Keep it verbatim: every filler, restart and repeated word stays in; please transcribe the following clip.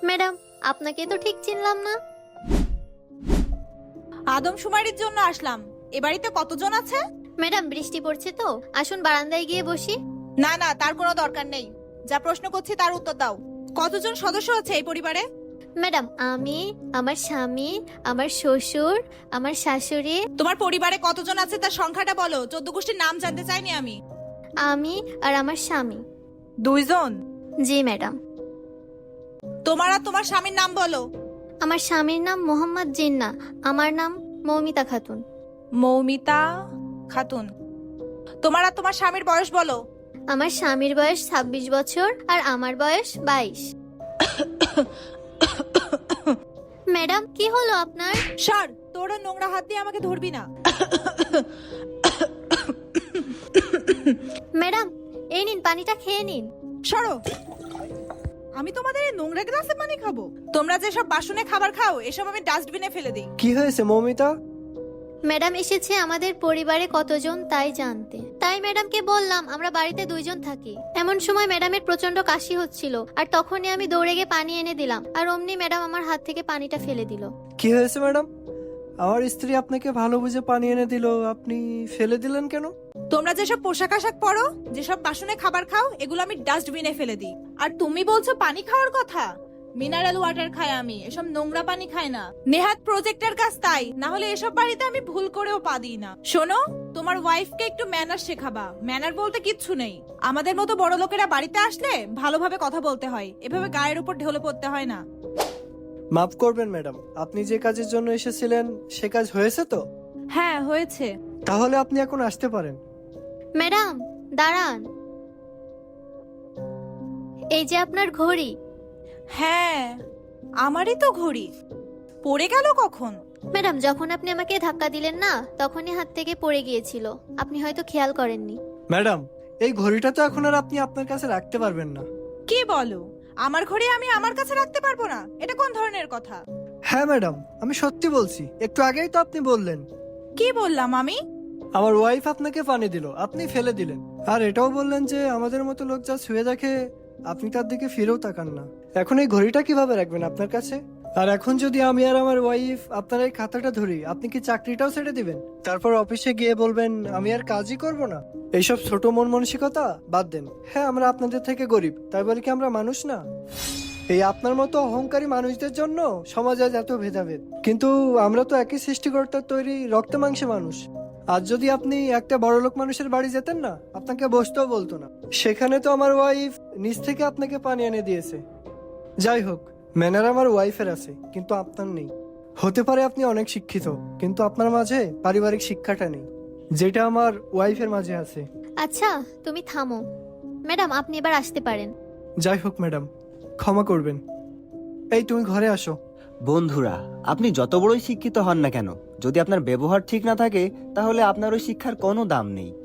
Madam, আপনাকে তো ঠিক চিনলাম না। আদমশুমারির জন্য আসলাম। এ বাড়িতে কতজন আছে? ম্যাডাম, বৃষ্টি পড়ছে তো, আসুন বারান্দায় গিয়ে বসি। না না, তার কোনো দরকার নেই। যা প্রশ্ন করছি তার উত্তর দাও। কতজন সদস্য আছে এই পরিবারে? ম্যাডাম, আমি, আমার স্বামী, আমার শ্বশুর, আমার শাশুড়ি। তোমার পরিবারে কতজন আছে তার সংখ্যাটা বলো। চোদ্দ গোষ্ঠীর নাম জানতে চাইনি আমি। আমি আর আমার স্বামী। দুইজন? জি ম্যাডাম। তোমার আর তোমার স্বামীর নাম বলো। আমার স্বামীর নাম মোহাম্মদ জিন্না, আমার নাম মৌমিতা খাতুন। মৌমিতা খাতুন। তোমার আর তোমার স্বামীর বয়স বলো। আমার স্বামীর বয়স ছাব্বিশ বছর আর আমার বয়স বাইশ। ম্যাডাম, কি হলো আপনার? সর, তোরা নোংরা হাত দিয়ে আমাকে ধরবি না। ম্যাডাম, এই নিন, পানিটা খেয়ে নিন। সরো, আমি তোমাদের এই নোংরা গ্লাসে পানি খাবো? তোমরা যেসব বাসনে খাবার খাও এসব আমি ডাস্টবিনে ফেলে দিই। কি হয়েছে মৌমিতা? ম্যাডাম এসেছে আমাদের পরিবারে কতজন তাই জানতে। তাই ম্যাডামকে বললাম আমরা বাড়িতে দুইজন থাকি। এমন সময় ম্যাডামের প্রচন্ড কাশি হচ্ছিল, আর তখনই আমি দৌড়ে গিয়ে পানি এনে দিলাম, আর অমনি ম্যাডাম আমার হাত থেকে পানিটা ফেলে দিল। কি হয়েছে ম্যাডাম? আমার স্ত্রী আপনাকে ভালো বুঝে পানি এনে দিল, আপনি ফেলে দিলেন কেন? তোমরা যেসব পোশাক আশাক পরো, যেসব বাসনে খাবার খাও, এগুলো আমি ডাস্টবিনে ফেলে দিই। আর তুমি বলছো পানি খাওয়ার কথা? মিনারেল ওয়াটার খাই আমি, এসব নোংরা পানি খাই না। নেহাত প্রজেক্টের কাজ তাই, না হলে এসব বাড়িতে আমি ভুল করেও পা দিই না। শোনো, তোমার ওয়াইফকে একটু ম্যানার শেখাবা। ম্যানার বলতে কিচ্ছু নেই। আমাদের মতো বড় লোকেরা বাড়িতে আসলে ভালোভাবে কথা বলতে হয়, এভাবে গায়ের উপর ঢেলে পড়তে হয় না। মাফ করবেন ম্যাডাম, আপনি যে কাজের জন্য এসেছিলেন সে কাজ হয়েছে তো? হ্যাঁ হয়েছে। তাহলে আপনি এখন আসতে পারেন। ম্যাডাম দাঁড়ান, এই যে আপনার ঘড়ি। হ্যাঁ, আমারই তো ঘড়ি। পড়ে গেল কখন? ম্যাডাম, যখন আপনি আমাকে ধাক্কা দিলেন না, তখনই হাত থেকে পড়ে গিয়েছিল, আপনি হয়তো খেয়াল করেননি। ম্যাডাম, এই ঘড়িটা তো এখন আর আপনি আপনার কাছে রাখতে পারবেন না। কি বলো? আমার ঘড়ি আমি আমার কাছে রাখতে পারবো না? এটা কোন ধরনের কথা? হ্যাঁ ম্যাডাম, আমি সত্যি বলছি, একটু আগেই তো আপনি বললেন। কি বললাম আমি? আমার ওয়াইফ আপনাকে পানি দিল, আপনি ফেলে দিলেন। আর এটাও বললেন যে আমাদের মতো লোক যা ছুঁয়ে দেখে আপনি তার দিকে ফিরেও তাকান না। এখন এই ঘড়িটা কিভাবে রাখবেন আপনার কাছে? আর এখন যদি আমি আর আমার ওয়াইফ আপনার এই খাতাটা ধরি, আপনি কি চাকরিটাও ছেড়ে দিবেন? তারপর অফিসে গিয়ে বলবেন আমি আর কাজই করব না? এইসব ছোট মন মানসিকতা বাদ দেন। হ্যাঁ, আমরা আপনাদের থেকে গরিব, তাই বলে কি আমরা মানুষ না? এই আপনার মতো অহংকারী মানুষদের জন্য সমাজ আজ এত ভেদাভেদ। কিন্তু আমরা তো একই সৃষ্টিকর্তার তৈরি রক্ত মাংসে মানুষ। আজ যদি আপনি একটা বড়লোক মানুষের বাড়ি যেতেন না, আপনাকে বসতেও বলতো না। সেখানে তো আমার ওয়াইফ নিজ থেকে আপনাকে পানি এনে দিয়েছে। যাই হোক, ম্যানার আমার ওয়াইফের আছে, কিন্তু আপনার নেই। হতে পারে আপনি অনেক শিক্ষিত, কিন্তু আপনার মাঝে পারিবারিক শিক্ষাটা নেই, যেটা আমার ওয়াইফের মাঝে আছে। আচ্ছা, তুমি থামো। ম্যাডাম, আপনি এবার আসতে পারেন। যাই হোক ম্যাডাম, ক্ষমা করবেন। এই তুমি ঘরে আসো। বন্ধুরা, আপনি যত বড়ই শিক্ষিত হন না কেন, যদি আপনার ব্যবহার ঠিক না থাকে তাহলে আপনার ওই শিক্ষার কোনো দাম নেই।